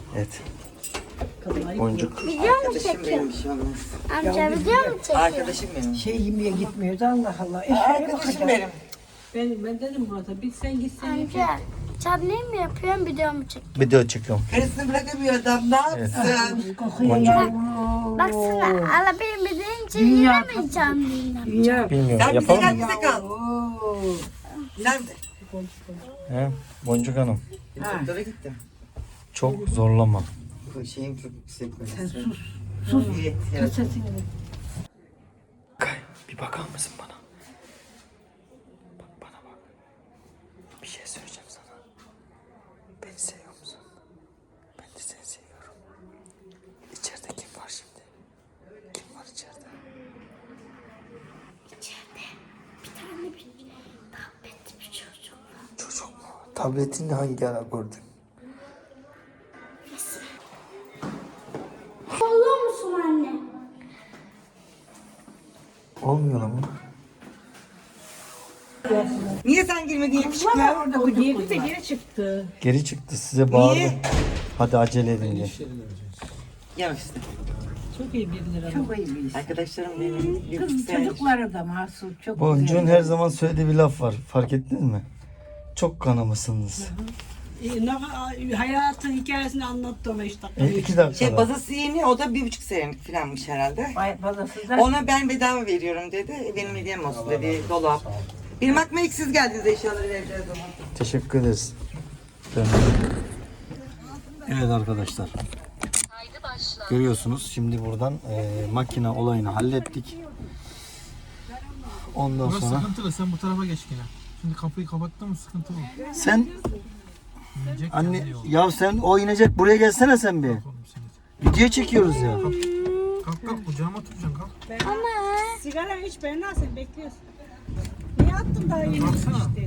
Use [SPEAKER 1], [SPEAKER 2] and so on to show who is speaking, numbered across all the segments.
[SPEAKER 1] Evet. Boncuk.
[SPEAKER 2] Biliyor musun
[SPEAKER 3] Arkadaşım
[SPEAKER 2] çekiyor?
[SPEAKER 3] benim, bir şey olmaz.
[SPEAKER 2] Amca biliyor musun çekiyor?
[SPEAKER 3] Arkadaşım benim.
[SPEAKER 4] Şey yemeye gitmiyordu Allah Allah.
[SPEAKER 3] Arkadaşım benim.
[SPEAKER 5] Ben dedim Murat'a bir sen gitsen
[SPEAKER 2] Amca sen ne mi yapıyorsun video mu çekiyorsun?
[SPEAKER 1] Video çekiyorum.
[SPEAKER 3] Karısını bırakamıyor adam, ne yapsın?
[SPEAKER 2] Baksana ala benim deyince yiyemeyeceğim diyeyim.
[SPEAKER 4] Dünya.
[SPEAKER 1] Bilmiyorum.
[SPEAKER 3] Sen bize
[SPEAKER 1] Yapalım
[SPEAKER 3] gel,
[SPEAKER 1] mı?
[SPEAKER 3] bize kal. Nerede?
[SPEAKER 1] He? Boncuk Hanım.
[SPEAKER 3] Doktora gittim.
[SPEAKER 1] Çok zorlama.
[SPEAKER 3] Bu şeyim çok yüksek.
[SPEAKER 4] Sen sus. Sus.
[SPEAKER 3] Evet,
[SPEAKER 4] Kes
[SPEAKER 3] evet.
[SPEAKER 4] sesini.
[SPEAKER 1] Bir bakar mısın bana? Bak bana bak. Bir şey söyleyeceğim sana. Beni seviyor musun? Ben de seni seviyorum. İçeride kim var şimdi? Kim var içeride?
[SPEAKER 2] İçeride bir tane bir tabletli bir çocuk var.
[SPEAKER 1] Çocuk mu? Tabletini hangi ara gördün?
[SPEAKER 2] Olur musun anne?
[SPEAKER 1] Olmuyor ama.
[SPEAKER 3] Niye sen girmedin yakışıklı?
[SPEAKER 5] o girdi de geri çıktı.
[SPEAKER 1] Geri çıktı size bağırdı.
[SPEAKER 3] Niye?
[SPEAKER 1] Hadi acele edin diye.
[SPEAKER 3] Yavaş işte.
[SPEAKER 5] Çok iyi birileri ama.
[SPEAKER 4] Çok iyi bir iş.
[SPEAKER 3] Arkadaşlarım benim. Bir
[SPEAKER 4] Kız
[SPEAKER 3] buçuk
[SPEAKER 4] çocukları da mahsul. Çok
[SPEAKER 1] Boncuğun
[SPEAKER 4] güzel.
[SPEAKER 1] her zaman söylediği bir laf var. Fark ettiniz mi? Çok kanamışsınız.
[SPEAKER 5] Hayatın hikayesini anlattı ona 3 dakika.
[SPEAKER 1] 2 dakika.
[SPEAKER 3] Şey bazası yeni, o da 1,5 senelik falanmış herhalde.
[SPEAKER 4] Bazası da
[SPEAKER 3] Ona ben bedava veriyorum dedi. Benim hediyem olsun dedi. Dolap. Benim aklıma ilk siz geldiniz eşyaları vereceğiz zaman.
[SPEAKER 1] Teşekkür ederiz. Evet arkadaşlar. Görüyorsunuz şimdi buradan makine olayını hallettik. Ondan
[SPEAKER 6] Burası
[SPEAKER 1] sonra
[SPEAKER 6] sıkıntılı. Sen bu tarafa geç yine. Şimdi kapıyı kapattın mı sıkıntı bu.
[SPEAKER 1] sen
[SPEAKER 6] İnecek
[SPEAKER 1] anne
[SPEAKER 6] yani yol.
[SPEAKER 1] ya sen o inecek buraya gelsene sen bir.
[SPEAKER 6] Oğlum seni.
[SPEAKER 1] Video çekiyoruz ya.
[SPEAKER 6] Kalk kalk kucağıma tutacaksın kalk.
[SPEAKER 5] Sigara iç ben sen bekliyorsun. Niye attın daha yeni
[SPEAKER 6] Baksana.
[SPEAKER 5] işte?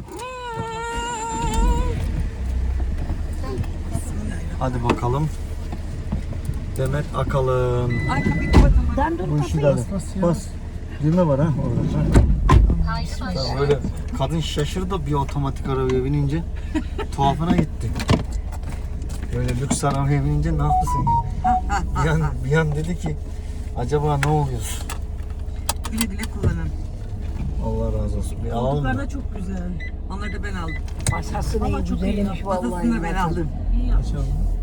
[SPEAKER 1] Hadi bakalım. Demet Akalın.
[SPEAKER 3] Ay kapıyı kapatamadım.
[SPEAKER 1] Bu işi de hadi. Bas. Düğme var ha orada. Ya böyle kadın şaşırdı bir otomatik arabaya binince. Tuhafına gitti. Böyle lüks arabaya binince ne yapsın? Bir an dedi ki acaba ne oluyor?
[SPEAKER 3] Güle güle kullanın.
[SPEAKER 1] Allah razı olsun. Bir alalım
[SPEAKER 5] Koltuklar
[SPEAKER 1] mı?
[SPEAKER 5] da çok güzel.
[SPEAKER 3] Onları da ben aldım.
[SPEAKER 4] masası ne
[SPEAKER 5] Ama çok
[SPEAKER 4] güzelmiş
[SPEAKER 5] iyi.
[SPEAKER 4] vallahi.
[SPEAKER 3] Bazasını da ben aldım.
[SPEAKER 5] İyi yaptın.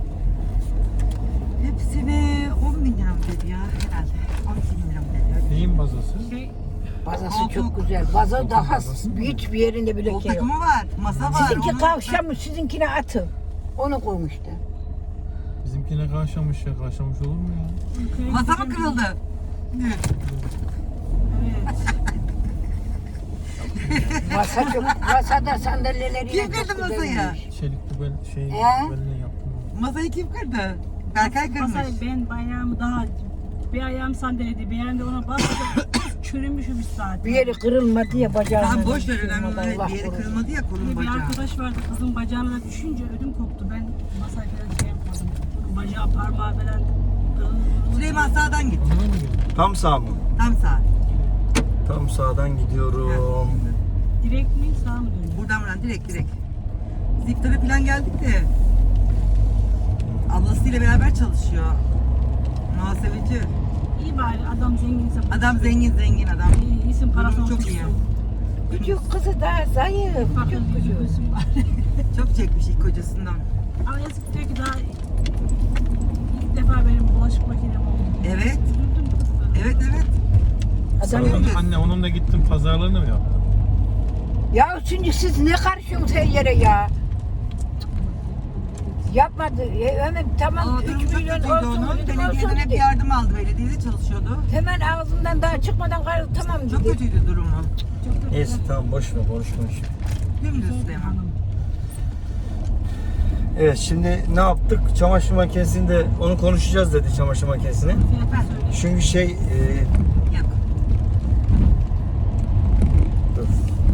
[SPEAKER 3] Hepsine 10 bin lira mı dedi ya herhalde. 12 bin lira mı dedi.
[SPEAKER 6] Neyin bazası?
[SPEAKER 4] Bazası
[SPEAKER 3] Koltuk.
[SPEAKER 4] çok güzel. Baza daha hiçbir yerinde bile
[SPEAKER 3] Kol
[SPEAKER 4] şey yok.
[SPEAKER 3] takımı var, masa var.
[SPEAKER 4] Sizinki
[SPEAKER 3] onun-
[SPEAKER 4] kavşamış, sizinkine atın. Onu koymuştu.
[SPEAKER 6] Bizimkine karşılamış ya. Karşılamış olur mu ya?
[SPEAKER 3] Masa mı kırıldı?
[SPEAKER 4] Masa çok, masada sandalyeleri
[SPEAKER 3] Kim kırdı masayı?
[SPEAKER 6] Çelikli ben şey
[SPEAKER 4] He?
[SPEAKER 6] beline yaptım.
[SPEAKER 3] Masayı kim kırdı? Berkay kırmış.
[SPEAKER 5] Masayı ben bayrağımı daha bir ayağım sandalyede bir ayağım da ona bastım. Çürümüşüm bir saat.
[SPEAKER 4] Bir yeri kırılmadı ya bacağına.
[SPEAKER 3] Tamam boş ver,
[SPEAKER 4] düşürmedi,
[SPEAKER 3] önemli değil.
[SPEAKER 4] Allah
[SPEAKER 3] Bir yeri
[SPEAKER 4] korusun.
[SPEAKER 3] kırılmadı ya kolun
[SPEAKER 5] Bir
[SPEAKER 3] bacağı.
[SPEAKER 5] arkadaş vardı kızın bacağına da düşünce ödüm koptu. Ben masaya falan şey yapmadım. Bacağı parmağı falan kırıldı.
[SPEAKER 3] Süleyman sağdan git.
[SPEAKER 6] Ondan mı geldi?
[SPEAKER 1] Tam sağ mı?
[SPEAKER 3] Tam sağ.
[SPEAKER 1] Tam sağdan gidiyorum.
[SPEAKER 5] Direkt mi sağ mı dönüyor?
[SPEAKER 3] Buradan direkt. Biz iftara falan geldik de. Ablasıyla beraber çalışıyor. Muhasebeci.
[SPEAKER 5] İyi bari adam zenginse.
[SPEAKER 3] Adam zengin adam.
[SPEAKER 5] İyi, iyisin parasını
[SPEAKER 3] Çok iyi.
[SPEAKER 4] Küçük kızı daha zayıf.
[SPEAKER 5] Bakın
[SPEAKER 4] Küçük kızı.
[SPEAKER 5] yüzüyorsun bari.
[SPEAKER 3] Çok çekmiş ilk kocasından.
[SPEAKER 5] Ama yazık diyor ki daha ilk defa benim bulaşık makinem oldu.
[SPEAKER 3] Evet.
[SPEAKER 5] Üzüldüm kızı.
[SPEAKER 3] Evet.
[SPEAKER 4] Adam
[SPEAKER 6] Anne onunla gittim pazarlarını mı yaptın?
[SPEAKER 4] Ya şimdi siz ne karışıyorsunuz her yere ya? Yapmadı. Hemen tamam
[SPEAKER 3] O
[SPEAKER 4] 3
[SPEAKER 3] durum çok
[SPEAKER 4] milyon
[SPEAKER 3] kötüydü
[SPEAKER 4] olsun.
[SPEAKER 3] onun.
[SPEAKER 4] dedim,
[SPEAKER 3] Belediyeden
[SPEAKER 4] olsun
[SPEAKER 3] hep
[SPEAKER 4] dedi.
[SPEAKER 3] yardım aldı. Belediyede çalışıyordu.
[SPEAKER 4] Hemen ağzından daha çıkmadan tamam
[SPEAKER 3] Çok
[SPEAKER 4] dedi.
[SPEAKER 3] kötüydü durumu.
[SPEAKER 1] Neyse tamam boş ver konuşma şimdi.
[SPEAKER 3] Dümdüz Süleyman.
[SPEAKER 1] Evet şimdi ne yaptık? Çamaşır makinesinde onu konuşacağız dedi çamaşır makinesini.
[SPEAKER 5] Fiyatı söyle.
[SPEAKER 1] Çünkü şey
[SPEAKER 3] Yok.
[SPEAKER 1] dur,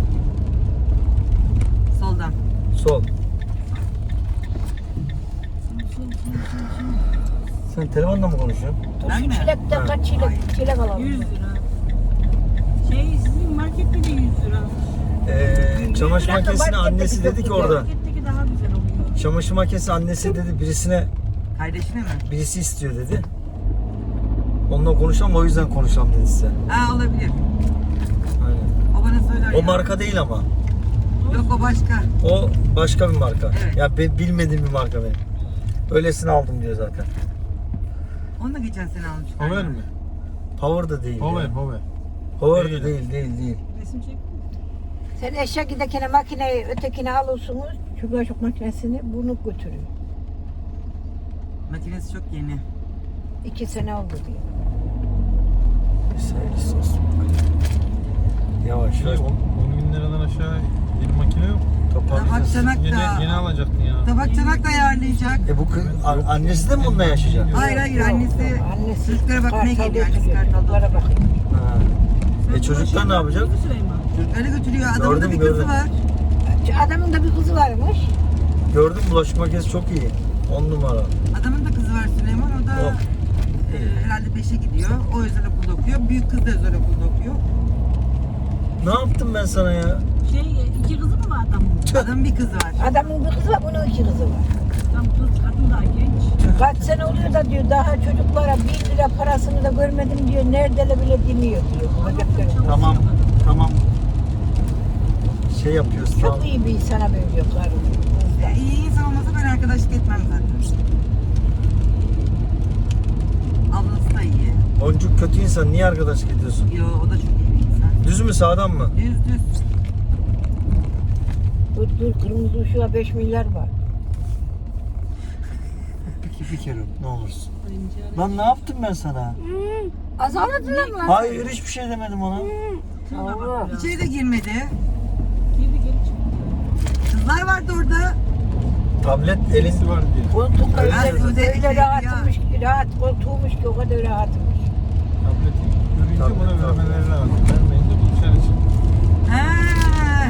[SPEAKER 3] Soldan.
[SPEAKER 1] sol. Sen telefonla mı konuşuyorsun?
[SPEAKER 4] Dur
[SPEAKER 3] Ben
[SPEAKER 4] şu
[SPEAKER 3] mi?
[SPEAKER 4] çilekten kaç çilek alalım.
[SPEAKER 5] 100 lira. Sizin markette de 100 lira.
[SPEAKER 1] Çamaşır
[SPEAKER 4] dakika,
[SPEAKER 1] makinesini
[SPEAKER 4] markette
[SPEAKER 1] annesi
[SPEAKER 4] bir
[SPEAKER 1] dedi ki
[SPEAKER 4] çok
[SPEAKER 1] orada.
[SPEAKER 5] Marketteki daha güzel oluyor.
[SPEAKER 1] Çamaşır makinesi annesi dedi birisine
[SPEAKER 3] Kardeşine mi?
[SPEAKER 1] Birisi istiyor dedi. Onunla konuşalım, o yüzden konuşalım dedi size.
[SPEAKER 3] Ha olabilir.
[SPEAKER 1] Aynen.
[SPEAKER 3] O bana söyler
[SPEAKER 1] O
[SPEAKER 3] ya.
[SPEAKER 1] marka değil ama.
[SPEAKER 3] Yok o başka.
[SPEAKER 1] O başka bir marka.
[SPEAKER 3] Evet.
[SPEAKER 1] Ya ben bilmediğim bir marka benim. Öylesini aldım diyor zaten.
[SPEAKER 3] Onu da geçen sene almış.
[SPEAKER 6] Hover mi?
[SPEAKER 1] Power da değil.
[SPEAKER 6] Hover,
[SPEAKER 1] ya.
[SPEAKER 6] hover.
[SPEAKER 1] Power da
[SPEAKER 6] Değil.
[SPEAKER 1] değil.
[SPEAKER 5] Resim çek.
[SPEAKER 4] Sen eşya giderken makineyi ötekini alıyorsunuz. Şu bulaşık makinesini bunu götürün.
[SPEAKER 3] Makinesi çok yeni.
[SPEAKER 4] 2 sene oldu diyor.
[SPEAKER 1] Sayısı olsun. Yavaş
[SPEAKER 6] Şey,
[SPEAKER 1] yavaş.
[SPEAKER 6] 10 bin liradan aşağı bir makine yok.
[SPEAKER 3] Tabak
[SPEAKER 1] Toparlayacağız.
[SPEAKER 3] çanak
[SPEAKER 6] Yeni
[SPEAKER 3] da.
[SPEAKER 6] alacaktın ya.
[SPEAKER 3] Tabak çanak da ayarlayacak.
[SPEAKER 1] Bu kız, annesi de mi bununla yaşayacak?
[SPEAKER 3] Hayır annesi.
[SPEAKER 4] Annesi
[SPEAKER 3] Çocuklara bakmaya
[SPEAKER 4] Kartal'da
[SPEAKER 3] geliyor, annesi
[SPEAKER 4] oturuyor,
[SPEAKER 3] Kartal'da.
[SPEAKER 4] çocuklara bakıyor.
[SPEAKER 1] Ha. Çocuklar ne yapacak?
[SPEAKER 5] Süleyman.
[SPEAKER 3] Çocukları götürüyor. Adamın da
[SPEAKER 1] Gördüm,
[SPEAKER 3] bir kızı
[SPEAKER 1] gördüm.
[SPEAKER 3] var.
[SPEAKER 4] Adamın da bir kızı varmış.
[SPEAKER 1] Gördüm, bulaşık makinesi çok iyi. 10 numara.
[SPEAKER 3] Adamın da kızı var Süleyman. O da
[SPEAKER 1] Oh.
[SPEAKER 3] herhalde 5'e gidiyor. O özel okulda okuyor. Büyük kız da özel okulda okuyor.
[SPEAKER 1] Ne yaptım ben sana ya?
[SPEAKER 5] İki kızı mı var adamın?
[SPEAKER 3] Adamın bir kızı var.
[SPEAKER 4] Adamın bir kızı var, bunun 2 kızı var.
[SPEAKER 5] Tam kız kadın daha genç.
[SPEAKER 4] Kaç sene oluyor da diyor daha çocuklara 1 lira parasını da görmedim diyor. Neredeler bile demiyor diyor. Bacakları.
[SPEAKER 1] Tamam. Şey yapıyoruz
[SPEAKER 4] Çok
[SPEAKER 1] tamam.
[SPEAKER 4] iyi bir insana benziyor karım.
[SPEAKER 3] İyi insan olmasa ben arkadaşlık etmem zaten. Ablası da iyi.
[SPEAKER 1] Boncuk kötü insan, niye arkadaşlık ediyorsun?
[SPEAKER 3] Yo o da çok iyi bir insan.
[SPEAKER 1] Düz mü sağdan mı?
[SPEAKER 3] Düz.
[SPEAKER 4] Dur kırmızı ışığa 5 milyar var.
[SPEAKER 1] Bir kere ne olursun. Lan ne yaptım ben sana?
[SPEAKER 4] Azaladılar mı?
[SPEAKER 1] Hayır hiçbir şey demedim ona.
[SPEAKER 4] Allah.
[SPEAKER 3] İçeri de girmedi.
[SPEAKER 5] Girdi geri çıktı.
[SPEAKER 3] Kızlar vardı orada.
[SPEAKER 1] Tablet elin.
[SPEAKER 6] Elisi var diye.
[SPEAKER 4] Koltuk
[SPEAKER 3] Öyle
[SPEAKER 4] öyle
[SPEAKER 3] ya.
[SPEAKER 4] rahatmış ki rahat koltuğumuş ki o kadar rahatmış.
[SPEAKER 6] Tableti görünce
[SPEAKER 1] Tablet,
[SPEAKER 6] buna
[SPEAKER 1] tablet.
[SPEAKER 6] vermeleri lazım. Vermeyince bu dışarı çık.
[SPEAKER 3] Ha.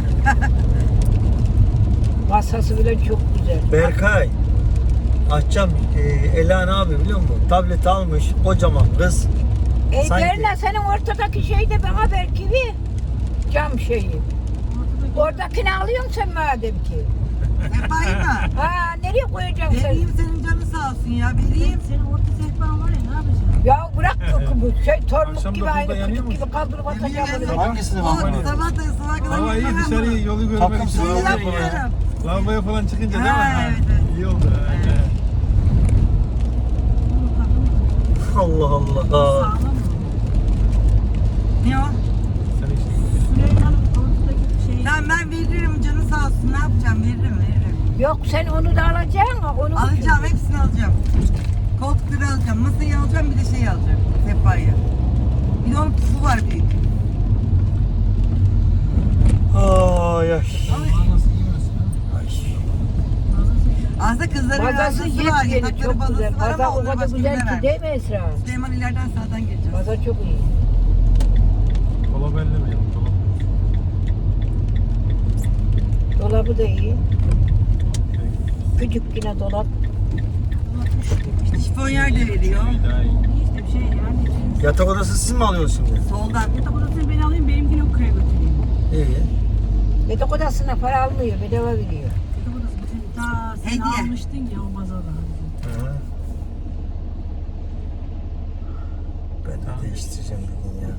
[SPEAKER 4] Masası bile çok güzel.
[SPEAKER 1] Berkay. Açacağım. Ela ne yapıyor biliyor musun? Tablet almış kocaman kız. Sanki-
[SPEAKER 4] Berna senin ortadaki şey de bana belki bir cam şeyi. Oradakini alıyorsun sen madem ki.
[SPEAKER 3] Sehpayı mı?
[SPEAKER 4] Ha nereye koyacaksın sen?
[SPEAKER 3] Vereyim senin canın sağ olsun ya. Vereyim.
[SPEAKER 5] Senin orta sehpan var ya ne yapacaksın?
[SPEAKER 4] Ya bırak bu şey tormuk
[SPEAKER 6] Akşam
[SPEAKER 4] gibi
[SPEAKER 6] 9'da
[SPEAKER 4] aynı
[SPEAKER 6] yanıyor
[SPEAKER 4] küçük
[SPEAKER 6] musun?
[SPEAKER 4] gibi kaldırıp atacağım
[SPEAKER 3] Yemin
[SPEAKER 4] onu.
[SPEAKER 3] ederim.
[SPEAKER 1] Hangisini
[SPEAKER 3] O
[SPEAKER 1] bak?
[SPEAKER 3] sabah da sabah kadar
[SPEAKER 6] Hava iyi
[SPEAKER 3] yürüyorum
[SPEAKER 6] dışarıyı yolu görmek
[SPEAKER 1] Takım
[SPEAKER 6] için.
[SPEAKER 1] suyu
[SPEAKER 3] ama.
[SPEAKER 1] oluyor ya.
[SPEAKER 3] Yapıyorum.
[SPEAKER 6] Lavaboya falan çıkınca değil mi?
[SPEAKER 3] Ha,
[SPEAKER 6] Ha,
[SPEAKER 3] evet.
[SPEAKER 6] İyi oldu.
[SPEAKER 1] Allah Allah.
[SPEAKER 5] Sağlam mı?
[SPEAKER 3] Ne o?
[SPEAKER 6] Sen işte.
[SPEAKER 5] Süleyman'ın ortadaki şey.
[SPEAKER 3] Tamam ben veririm canın sağ olsun. Ne yapacağım? Veririm.
[SPEAKER 4] Yok sen onu da alacaksın mı? Onu
[SPEAKER 3] Alacağım. Hepsini alacağım. Koltukları alacağım. Masayı alacağım. Bir de şey alacağım. Sehpayı. Bir de onun pufu var büyük.
[SPEAKER 1] Ay ay.
[SPEAKER 6] Nasıl giymez ya?
[SPEAKER 3] Aslında kızların
[SPEAKER 4] Bazası
[SPEAKER 3] bazası var.
[SPEAKER 4] yepyeni
[SPEAKER 3] Yatakları
[SPEAKER 4] çok
[SPEAKER 3] bazası
[SPEAKER 4] güzel.
[SPEAKER 3] var
[SPEAKER 4] Baza
[SPEAKER 3] ama
[SPEAKER 4] o
[SPEAKER 3] onları
[SPEAKER 4] kadar
[SPEAKER 3] başka birine
[SPEAKER 4] güzel ki
[SPEAKER 3] vermiş.
[SPEAKER 4] değil mi Esra?
[SPEAKER 3] Süleyman ileriden sağdan geleceğiz.
[SPEAKER 4] Baza çok iyi.
[SPEAKER 6] Dolap ellemeyelim. Dolap.
[SPEAKER 4] Dolabı da iyi. Küçük yine dolap.
[SPEAKER 3] İşte şifonyer de veriyor.
[SPEAKER 6] Daha iyi.
[SPEAKER 5] İşte bir şey yani.
[SPEAKER 1] Yatak odası siz mi alıyorsunuz şimdi?
[SPEAKER 3] Soldan.
[SPEAKER 5] Yatak odasını ben alayım benimkini okuya götüreyim.
[SPEAKER 1] İyi.
[SPEAKER 4] Yatak odasına para almıyor, bedava veriyor.
[SPEAKER 5] Yatak odası bizim ta sen
[SPEAKER 3] Hediye.
[SPEAKER 5] almıştın ya o bazada.
[SPEAKER 1] Hı. Ben de değiştireceğim bir gün ya.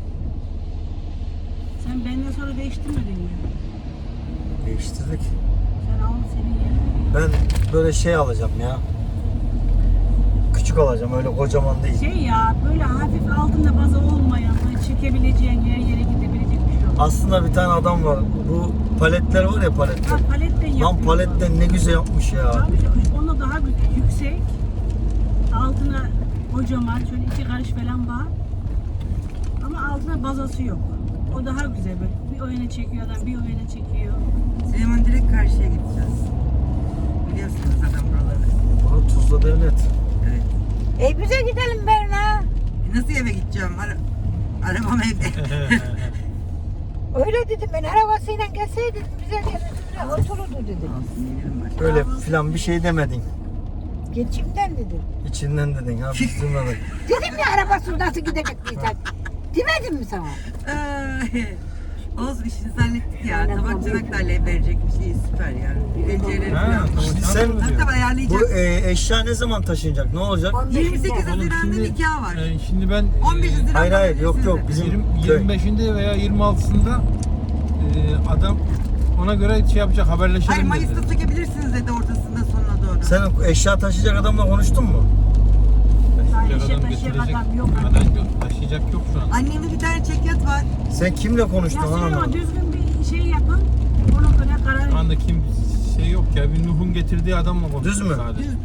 [SPEAKER 5] Sen benden sonra değiştirmedin mi?
[SPEAKER 1] Değiştirdik.
[SPEAKER 5] Sen al senin yerine.
[SPEAKER 1] Ben böyle şey alacağım ya. Küçük alacağım öyle kocaman değil.
[SPEAKER 5] Şey ya böyle hafif altında baza olmayan böyle çekebileceğin her yere gidebilecek bir şey olur.
[SPEAKER 1] Aslında bir tane adam var. Bu paletler var ya paletler.
[SPEAKER 5] Ha paletten yapıyor.
[SPEAKER 1] Lan paletten ne güzel yapmış ya.
[SPEAKER 5] Tabii canım, onda daha güzel, yüksek. Altına kocaman, şöyle 2 karış falan var. Ama altına bazası yok. O daha güzel böyle. Bir o yana çekiyor adam, bir o yana çekiyor.
[SPEAKER 3] Süleyman direkt karşıya gideceğiz. Biliyorsunuz zaten buraları.
[SPEAKER 1] Bunu Tuzla Devlet.
[SPEAKER 3] Evet.
[SPEAKER 4] Bize gidelim Berna.
[SPEAKER 3] Nasıl eve gideceğim? Arabam evde.
[SPEAKER 4] Öyle dedim ben arabasıyla gelseydim bize gelirdi otururdu dedim.
[SPEAKER 3] Olsun gelirim başka.
[SPEAKER 1] Öyle filan bir şey demedin.
[SPEAKER 4] Geçimden dedim.
[SPEAKER 1] İçinden dedin ha biz duymadık.
[SPEAKER 4] Dedim ya arabası nasıl gidecek diyecek. Demedim mi sana?
[SPEAKER 3] Ay. Olsun işinizi hallettik ya. Tabak çanak da verecekmiş. İyi süper yani. Tencereleri
[SPEAKER 6] Ha,
[SPEAKER 3] falan.
[SPEAKER 6] tamam.
[SPEAKER 1] Sen
[SPEAKER 3] Tabii tabii ayarlayacak.
[SPEAKER 1] bu eşya ne zaman taşınacak? Ne olacak?
[SPEAKER 3] 28
[SPEAKER 6] Oğlum
[SPEAKER 3] Haziran'da nikah var.
[SPEAKER 6] Şimdi ben
[SPEAKER 3] 15 Haziran'da
[SPEAKER 1] Hayır hayır yok yok
[SPEAKER 3] sizde.
[SPEAKER 1] bizim köy.
[SPEAKER 6] 25'inde veya 26'sında adam ona göre şey yapacak, haberleşelim
[SPEAKER 3] Hayır
[SPEAKER 6] dedi.
[SPEAKER 3] Mayıs'ta sökebilirsiniz dedi ortasında sonuna doğru.
[SPEAKER 1] Sen eşya taşıyacak adamla konuştun mu?
[SPEAKER 6] Taşıyacak adam
[SPEAKER 5] taşıyacak
[SPEAKER 6] getirecek.
[SPEAKER 5] adam yok.
[SPEAKER 6] Adam yok, taşıyacak yok şu an.
[SPEAKER 3] Annemde bir tane çekyat var.
[SPEAKER 1] Sen kimle konuştun
[SPEAKER 5] Ya
[SPEAKER 1] lan
[SPEAKER 5] söyle ama
[SPEAKER 1] anlamadım.
[SPEAKER 5] düzgün bir şey yapın. Ona göre karar
[SPEAKER 6] Şu anda kim şey yok ya, bir Nuh'un getirdiği adamla konuştuk
[SPEAKER 1] Düz mü?
[SPEAKER 6] sadece.
[SPEAKER 3] Düz.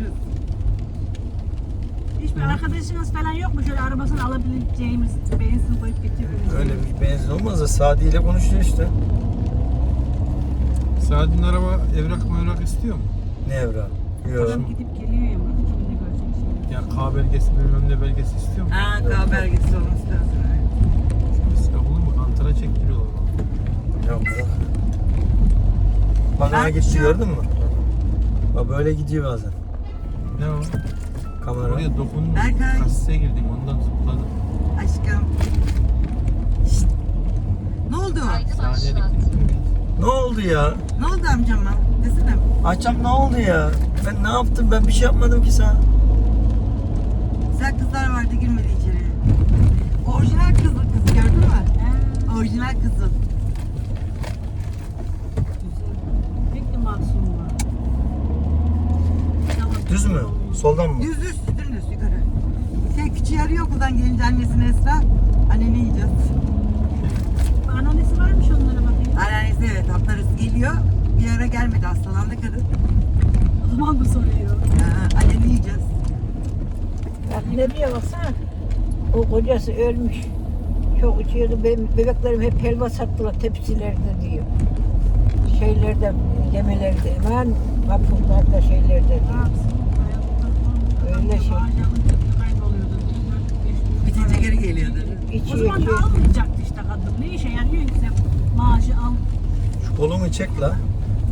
[SPEAKER 5] Hiçbir arkadaşınız falan yok mu? Şöyle arabasını alabileceğimiz benzin koyup getirebileceğimiz.
[SPEAKER 1] Öyle bir benzin olmaz da Sadi ile konuşuyor işte.
[SPEAKER 6] Saadet'in araba evrak istiyor mu?
[SPEAKER 1] Ne evra? Yok.
[SPEAKER 5] Adam gidip geliyor ya. Burada kimini görecek şey.
[SPEAKER 6] Ya K belgesi, bilmem ne belgesi istiyor mu?
[SPEAKER 3] Ha K belgesi olması lazım.
[SPEAKER 6] Sıkı olur mu? Kantara çektiriyorlar.
[SPEAKER 1] Yok yok. Bak ha gitti gördün mü? Bak böyle gidiyor bazen.
[SPEAKER 6] Ne o?
[SPEAKER 1] Kamera.
[SPEAKER 6] Oraya dokundum.
[SPEAKER 3] Berkay.
[SPEAKER 6] Kasiseye girdim, ondan zıpladım.
[SPEAKER 3] Aşkım. Şşt. Ne oldu?
[SPEAKER 6] Saniyelik gittim.
[SPEAKER 1] Ne oldu ya?
[SPEAKER 3] Ne oldu amcama? Desene.
[SPEAKER 1] Açam ne oldu ya? Ben ne yaptım? Ben bir şey yapmadım ki sana.
[SPEAKER 3] Güzel kızlar vardı girmedi içeri. Orijinal kız gördün mü? Orijinal kızıl.
[SPEAKER 5] Pek de masum var.
[SPEAKER 1] Düz mü? Soldan mı?
[SPEAKER 3] Düz dümdüz yukarı. Küçüğü arıyor okuldan gelince annesine Esra. Anne ne yiyeceğiz?
[SPEAKER 5] Anneannesi varmış onlara bakayım.
[SPEAKER 3] Anneannesi evet hafta arası geliyor. Bir ara gelmedi hastalandı kadın.
[SPEAKER 5] O zaman da soruyor.
[SPEAKER 3] Anne ne yiyeceğiz?
[SPEAKER 4] Bak ne diyor baksana. O kocası ölmüş. Çok içiyordu. Benim bebeklerim hep helva sattılar tepsilerde diyor. Şeylerde, yemelerde, hemen kapılarda şeylerde diyor. Öyle şey.
[SPEAKER 3] Bitince geri geliyordu.
[SPEAKER 5] O
[SPEAKER 4] İçiyor
[SPEAKER 5] zaman da
[SPEAKER 4] içiyor.
[SPEAKER 5] almayacaktı işte kadın. Ne işe yarıyor ki sen maaşı al.
[SPEAKER 1] Şu kolumu çek la.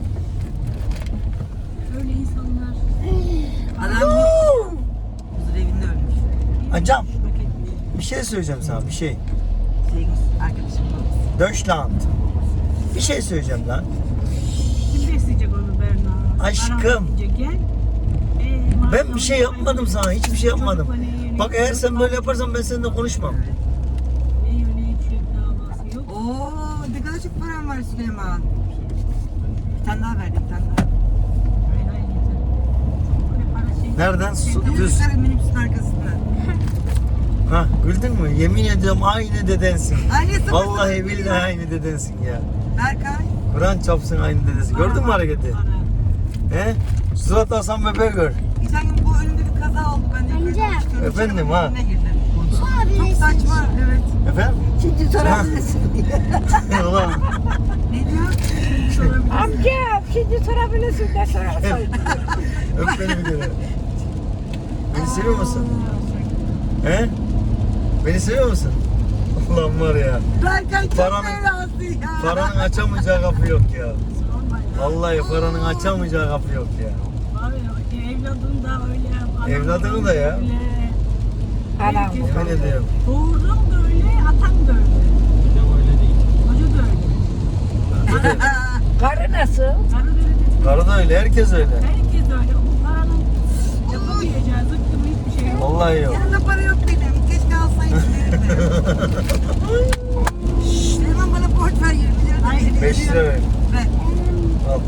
[SPEAKER 5] Öyle insanlar.
[SPEAKER 3] Adam huzur evinde ölmüş.
[SPEAKER 1] Acam.
[SPEAKER 5] Paketli.
[SPEAKER 1] Bir şey söyleyeceğim sana bir şey.
[SPEAKER 3] Arkadaşım babası.
[SPEAKER 1] Deutschland. Bir şey söyleyeceğim lan.
[SPEAKER 5] Kim besleyecek onu Berna?
[SPEAKER 1] Aşkım.
[SPEAKER 5] Ara gel.
[SPEAKER 1] Ben bir şey yapmadım sana. Hiçbir şey yapmadım. Bak eğer sen böyle yaparsan ben seninle konuşmam.
[SPEAKER 5] Ne yiyor ne içiyor davası yok.
[SPEAKER 3] Oo ne kadar çok param var Süleyman. Bir tane daha verdim bir tane daha.
[SPEAKER 5] Hayır hayır yeter. Çok böyle para şey.
[SPEAKER 1] Nereden? Düz.
[SPEAKER 3] Düz. Yukarı minibüsün arkasında.
[SPEAKER 1] Ha güldün mü? Yemin ediyorum aynı dedensin.
[SPEAKER 3] Annesi
[SPEAKER 1] Vallahi billahi aynı dedensin ya.
[SPEAKER 3] Berkay.
[SPEAKER 1] Kur'an çapsın aynı dedesi. Gördün mü hareketi?
[SPEAKER 5] Para.
[SPEAKER 1] He? Surat Hasan bebeği gör.
[SPEAKER 3] Geçen gün bu önümde bir kaza oldu. Ben de yukarı
[SPEAKER 2] Amca.
[SPEAKER 3] çıkıyorum.
[SPEAKER 1] Efendim,
[SPEAKER 3] Çıkarım,
[SPEAKER 1] ha?
[SPEAKER 3] önüne girdim.
[SPEAKER 2] Sorabilirsin.
[SPEAKER 3] Çok saçma evet.
[SPEAKER 1] Efendim?
[SPEAKER 4] Şimdi sorabilirsin diyor.
[SPEAKER 1] Ulan.
[SPEAKER 3] Ne diyor?
[SPEAKER 4] Amca şimdi sorabilirsin ne sorarsan.
[SPEAKER 1] Öp beni bir kere. Beni seviyor musun? He? Beni seviyor musun? Ulan var ya.
[SPEAKER 3] Berkay çok
[SPEAKER 1] Paranın-
[SPEAKER 3] belası ya.
[SPEAKER 1] Paranın açamayacağı kapı yok ya.
[SPEAKER 5] Sorma ya.
[SPEAKER 1] Vallahi paranın açamayacağı kapı yok ya.
[SPEAKER 5] Var ya evladın da öyle. anam
[SPEAKER 1] Evladını da ya.
[SPEAKER 5] öyle.
[SPEAKER 4] Anam.
[SPEAKER 5] Herkes
[SPEAKER 1] Ben
[SPEAKER 5] öyle.
[SPEAKER 1] ne diyorum?
[SPEAKER 5] Doğurdun da öyle, atan da öyle.
[SPEAKER 6] Bir de öyle değil.
[SPEAKER 5] Hoca da öyle.
[SPEAKER 4] Karı nasıl?
[SPEAKER 5] Karı da öyle dedi.
[SPEAKER 1] Karı da öyle, herkes öyle.
[SPEAKER 5] Herkes öyle. Bu paranın yapamayacağı zıkkımı hiçbir şey yok.
[SPEAKER 1] Vallahi yok.
[SPEAKER 3] Yanında para yok benim. Keşke alsaydım verirdim. Şşş, Süleyman bana borç ver 20 lira. da
[SPEAKER 5] Ay,
[SPEAKER 3] elli
[SPEAKER 1] 5 lira ver.
[SPEAKER 3] Ver.
[SPEAKER 1] Al.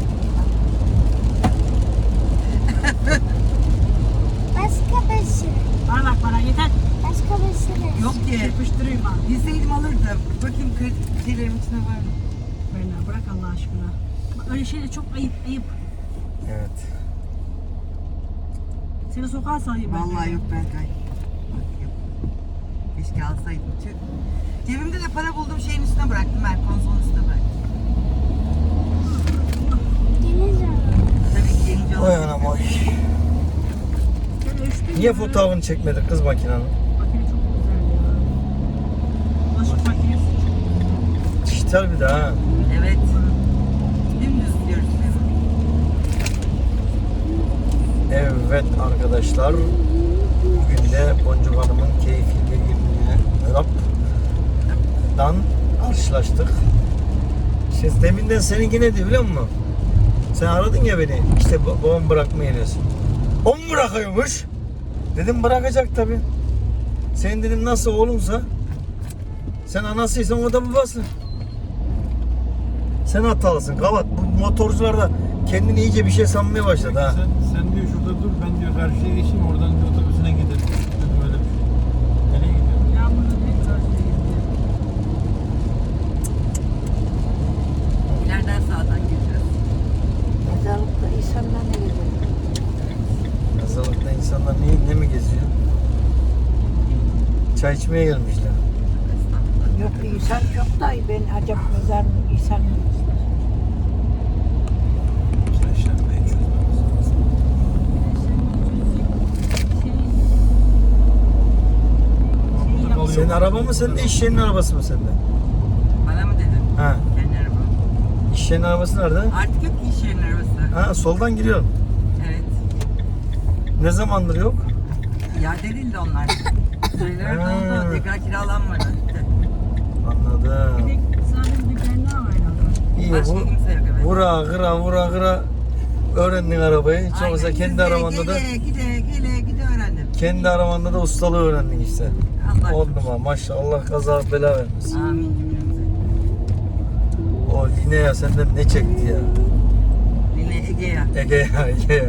[SPEAKER 2] Başka bir şey.
[SPEAKER 5] Bana bak bana yeter.
[SPEAKER 2] Başka bir şey.
[SPEAKER 3] Yok ki.
[SPEAKER 5] Yapıştırayım ha.
[SPEAKER 3] Bilseydim alırdım. Bakayım kredi şeylerim içinde var mı?
[SPEAKER 5] Berna bırak Allah aşkına. Bak, öyle şeyler çok ayıp ayıp.
[SPEAKER 1] Evet.
[SPEAKER 5] Seni sokağa salayım ben.
[SPEAKER 3] Vallahi yok Berkay. Bak yok. Keşke alsaydım. Tüh. Cebimde de para buldum şeyin üstüne bıraktım ben. Konsolun üstüne bıraktım.
[SPEAKER 2] Deniz abi.
[SPEAKER 3] Tabii ki gelince
[SPEAKER 1] Oy
[SPEAKER 3] alırım.
[SPEAKER 1] anam oy.
[SPEAKER 5] Sen ölçtün
[SPEAKER 1] Niye
[SPEAKER 5] mü?
[SPEAKER 1] fotoğrafını çekmedin kız makinenin?
[SPEAKER 5] Makine çok güzel ya. Bulaşık makinesi çok güzel.
[SPEAKER 1] Dijital bir de ha.
[SPEAKER 3] Evet. Dümdüz diyoruz.
[SPEAKER 1] Evet arkadaşlar. Bugün de Boncuk Hanım'ın keyifli bir gününe Rap'dan karşılaştık. Şimdi deminden seninki ne diyor biliyor musun? Sen aradın ya beni. İşte babam bırakmaya geliyorsun. O mu bırakıyormuş? Dedim bırakacak tabii. Sen dedim nasıl oğlunsa, sen anasıysan o da babası. Sen hatalısın. Kavat. Bu motorcular da kendini iyice bir şey sanmaya başladı ha.
[SPEAKER 6] Sen diyor şurada dur, ben diyor karşıya geçeyim, oradan diyor otobüsüne gidelim. Dedim öyle bir şey. Nereye gidiyorsun?
[SPEAKER 5] Yağmurda direkt karşıya gidiyor.
[SPEAKER 3] İleriden sağdan gireceğiz.
[SPEAKER 4] Mezarlıkta insanlar ne geziyor?
[SPEAKER 1] Mezarlıkta insanlar ne mi geziyor? Çay içmeye gelmişler.
[SPEAKER 4] Yok insan çok da ben acaba mezar insan
[SPEAKER 6] Yaşlanmayı çözmemiz lazım. Burada kalıyor.
[SPEAKER 1] Senin araba mı sende, iş yerinin arabası mı sende?
[SPEAKER 3] Bana mı dedin?
[SPEAKER 1] Ha.
[SPEAKER 3] Kendi arabam.
[SPEAKER 1] İş yerinin arabası nerede?
[SPEAKER 3] Artık yok ki iş yerinin arabası.
[SPEAKER 1] Ha, soldan giriyorum.
[SPEAKER 3] Evet.
[SPEAKER 1] Ne zamandır yok?
[SPEAKER 3] İade edildi onlar. Süreler
[SPEAKER 1] Ha.
[SPEAKER 3] doldu. Tekrar kiralanmadı.
[SPEAKER 1] Anladım.
[SPEAKER 5] Bir de sadece bir Berna var herhalde.
[SPEAKER 1] İyi
[SPEAKER 3] Başka
[SPEAKER 1] bu.
[SPEAKER 3] kimse yok, evet.
[SPEAKER 1] Vura öğrendin arabayı. Hiç olmazsa
[SPEAKER 3] Aynen,
[SPEAKER 1] kendi
[SPEAKER 3] gide,
[SPEAKER 1] arabanda da
[SPEAKER 3] gide öğrendim.
[SPEAKER 1] kendi arabanda da ustalığı öğrendin işte.
[SPEAKER 3] Allah
[SPEAKER 1] 10 numara maşallah, Allah kaza bela vermesin.
[SPEAKER 3] Amin cümlemize.
[SPEAKER 1] O Linea senden ne çekti ya?
[SPEAKER 3] Yine Ege'ye.
[SPEAKER 1] Ege ya.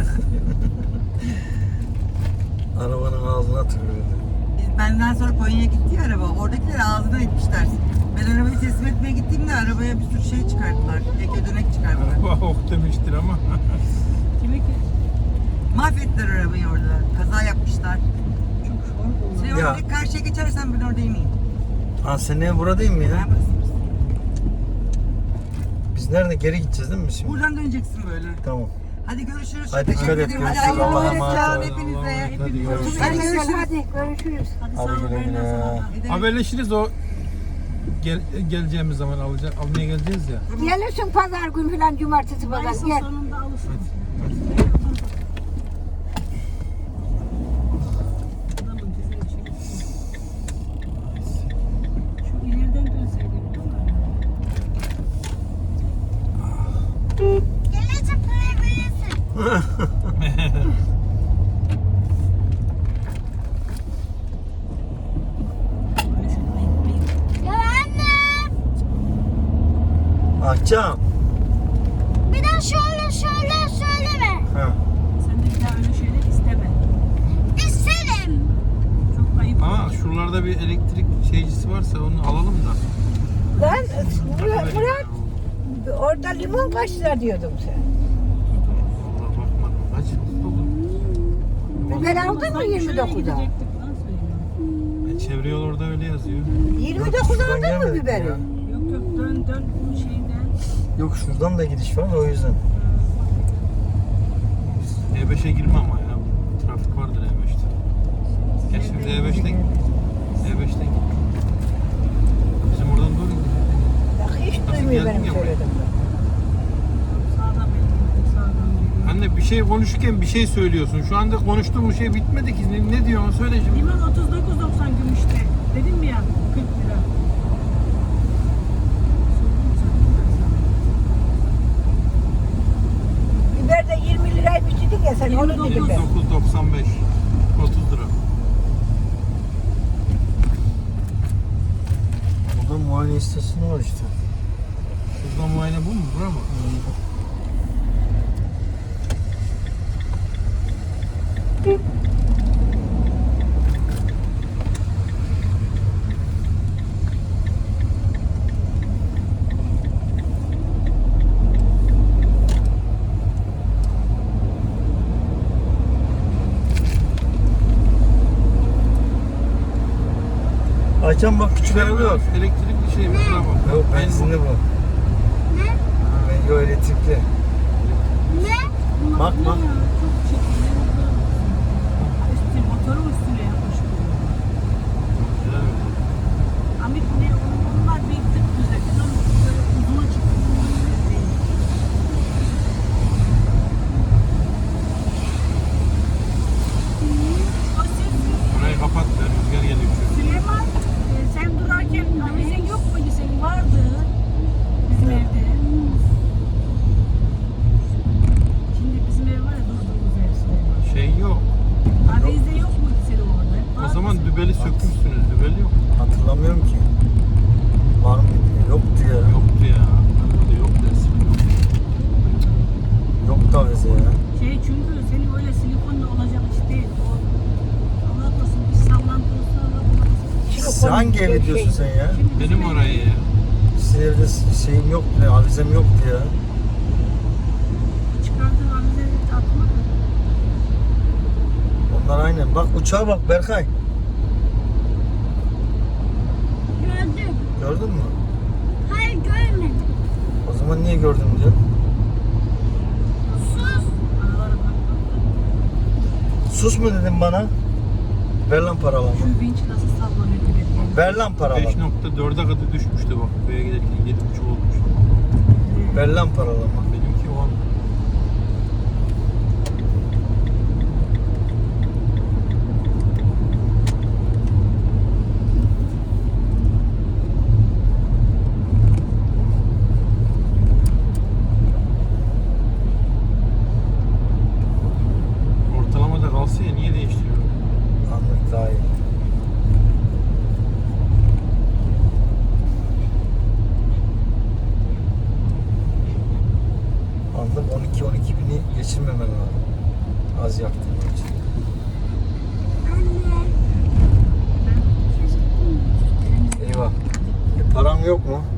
[SPEAKER 1] Arabanın ağzına tükürdü.
[SPEAKER 3] Biz benden sonra Konya'ya gitti ya araba. Oradakiler ağzına etmişler. Ben arabayı teslim etmeye gittiğimde arabaya bir sürü şey çıkarttılar. Ege dönek çıkarttılar.
[SPEAKER 6] Araba ok demiştir ama.
[SPEAKER 5] Kime ki?
[SPEAKER 3] Mahvettiler arabayı orada. Kaza yapmışlar.
[SPEAKER 5] Çok zor
[SPEAKER 3] Sen
[SPEAKER 5] olur.
[SPEAKER 1] Ya.
[SPEAKER 3] orada karşıya geçersen ben oradayım miyim?
[SPEAKER 1] Ha senin ev burada değil mi ya?
[SPEAKER 3] Ben basıyorum.
[SPEAKER 1] Biz nerede geri gideceğiz değil mi biz şimdi?
[SPEAKER 3] Buradan döneceksin böyle.
[SPEAKER 1] Tamam.
[SPEAKER 3] Hadi görüşürüz.
[SPEAKER 1] Hadi
[SPEAKER 3] Teşekkür
[SPEAKER 1] dikkat et,
[SPEAKER 3] ederim.
[SPEAKER 1] görüşürüz.
[SPEAKER 3] Hadi
[SPEAKER 1] Allah'a
[SPEAKER 3] Allah'a
[SPEAKER 1] emanet
[SPEAKER 3] emanet
[SPEAKER 1] ol.
[SPEAKER 3] olun hepinize.
[SPEAKER 6] Hadi görüşürüz.
[SPEAKER 3] Hadi görüşürüz.
[SPEAKER 4] hadi görüşürüz.
[SPEAKER 5] Hadi
[SPEAKER 1] Hadi
[SPEAKER 5] sağ ol
[SPEAKER 1] güle güle.
[SPEAKER 5] Berna sana da.
[SPEAKER 3] Ne demek?
[SPEAKER 6] Haberleşiriz o geleceğimiz zaman almaya geleceğiz ya.
[SPEAKER 4] Gelirsin pazar gün falan cumartesi pazar
[SPEAKER 5] Mayıs'ın
[SPEAKER 4] gel.
[SPEAKER 5] sonunda alırsın. Adamın tezini çekti. Şu ileriden dönseydim değil mi?
[SPEAKER 2] Gelecek buraya büyüsün. Ya anne.
[SPEAKER 1] Akşam.
[SPEAKER 2] Bir de şöyle söyleme.
[SPEAKER 1] Ha.
[SPEAKER 5] Sen de bir daha öyle şeyler isteme.
[SPEAKER 2] İsterim.
[SPEAKER 5] Çok ayıp.
[SPEAKER 6] Ama şuralarda bir elektrik şeycisi varsa onu alalım da.
[SPEAKER 4] Lan Murat orada limon kaç lira diyordum sen.
[SPEAKER 6] Vallahi bakmadım. Kaç oldu?
[SPEAKER 4] Biber aldın mı
[SPEAKER 5] Sanki şöyle
[SPEAKER 4] 29'da?
[SPEAKER 5] gidecektik lan söylüyorum.
[SPEAKER 6] Çevre yol orada öyle yazıyor.
[SPEAKER 4] 29'da
[SPEAKER 1] şuradan
[SPEAKER 4] aldın mı
[SPEAKER 1] gelmedik
[SPEAKER 4] biberi?
[SPEAKER 1] ya.
[SPEAKER 5] Yok yok dön bu şeyden.
[SPEAKER 1] Yok şuradan da gidiş var o yüzden.
[SPEAKER 6] E5'e girme ama ya. Trafik vardır E5'te. Gel şimdi E5'ten git. Bizim oradan doğru gidiyor.
[SPEAKER 4] Bak hiç
[SPEAKER 6] Nasıl
[SPEAKER 4] duymuyor
[SPEAKER 6] geldin
[SPEAKER 4] benim
[SPEAKER 6] ya buraya?
[SPEAKER 4] söyledim.
[SPEAKER 5] Sağdan belki sağdan geliyor.
[SPEAKER 6] Anne bir şey konuşurken bir şey söylüyorsun. Şu anda konuştuğumuz şey bitmedi ki. Ne diyorsun? Söyle şimdi.
[SPEAKER 5] Limon 39.90 gümüşte. Dedim mi ya 40 lira.
[SPEAKER 4] Biber de 20 liraymış dedik ya sen onu
[SPEAKER 5] 29.
[SPEAKER 4] dedim ben.
[SPEAKER 6] 9.95 30 lira.
[SPEAKER 1] Burada muayene istasyonu var işte.
[SPEAKER 6] Şurada muayene bu mu? Bura mı?
[SPEAKER 1] Akşam bak küçük araba yok.
[SPEAKER 6] Elektrikli şey mi? Buna bak.
[SPEAKER 1] Yok benzinli bu.
[SPEAKER 2] Ne?
[SPEAKER 1] Yok elektrikli.
[SPEAKER 2] Ne?
[SPEAKER 1] Bak bak.
[SPEAKER 5] Çok çirkin. Üstü motorun üstüne yapmış.
[SPEAKER 6] Güzel mi?
[SPEAKER 5] Amit ne onlar bir tık güzel. Bunun böyle uzuna çıktı. O ses
[SPEAKER 6] Burayı kapat da rüzgar geliyor.
[SPEAKER 5] Süleyman sen durarken avizin yok muydu senin? Vardı. Bizim evde. Avize yok mu senin orada?
[SPEAKER 6] O zaman dübeli sökmüşsünüz. Dübeli yok.
[SPEAKER 1] Hatırlamıyorum ki. Var mıydı? Yoktu ya.
[SPEAKER 6] Yoktu ya. Yok dersin.
[SPEAKER 1] Yoktu avize ya.
[SPEAKER 5] Çünkü senin öyle silikonla olacak iş değil. O Allah korusun bir sallantı olsa Allah korusun.
[SPEAKER 1] Sen hangi evi diyorsun sen ya?
[SPEAKER 5] Şimdi bizim
[SPEAKER 6] Benim orayı ya.
[SPEAKER 1] Sizin evde şeyim yoktu, avizem yoktu ya.
[SPEAKER 5] çıkardığın avizeleri atma da.
[SPEAKER 1] Onlar aynen. Bak uçağa bak Berkay.
[SPEAKER 2] Gördüm.
[SPEAKER 1] Gördün mü?
[SPEAKER 2] Hayır görmedim.
[SPEAKER 1] O zaman niye gördün diyor.
[SPEAKER 2] Sus.
[SPEAKER 5] Aralara bak.
[SPEAKER 1] Sus mu dedin bana? Ver lan paralarımı.
[SPEAKER 5] Şu vinç nasıl sallanıyor bile.
[SPEAKER 1] Ver lan paralarımı.
[SPEAKER 6] 5.4'e kadar düşmüştü bak. Köye giderken 7.5 olmuş.
[SPEAKER 1] Ver lan paralarımı.
[SPEAKER 6] Benimki o an. Ortalamada kalsa ya niye değiştiriyor?
[SPEAKER 1] Anlık daha iyi. Anlık 12-12 bini geçirmemen lazım. Az yaktığın için.
[SPEAKER 2] Anne.
[SPEAKER 1] Eyvah. Paran yok mu?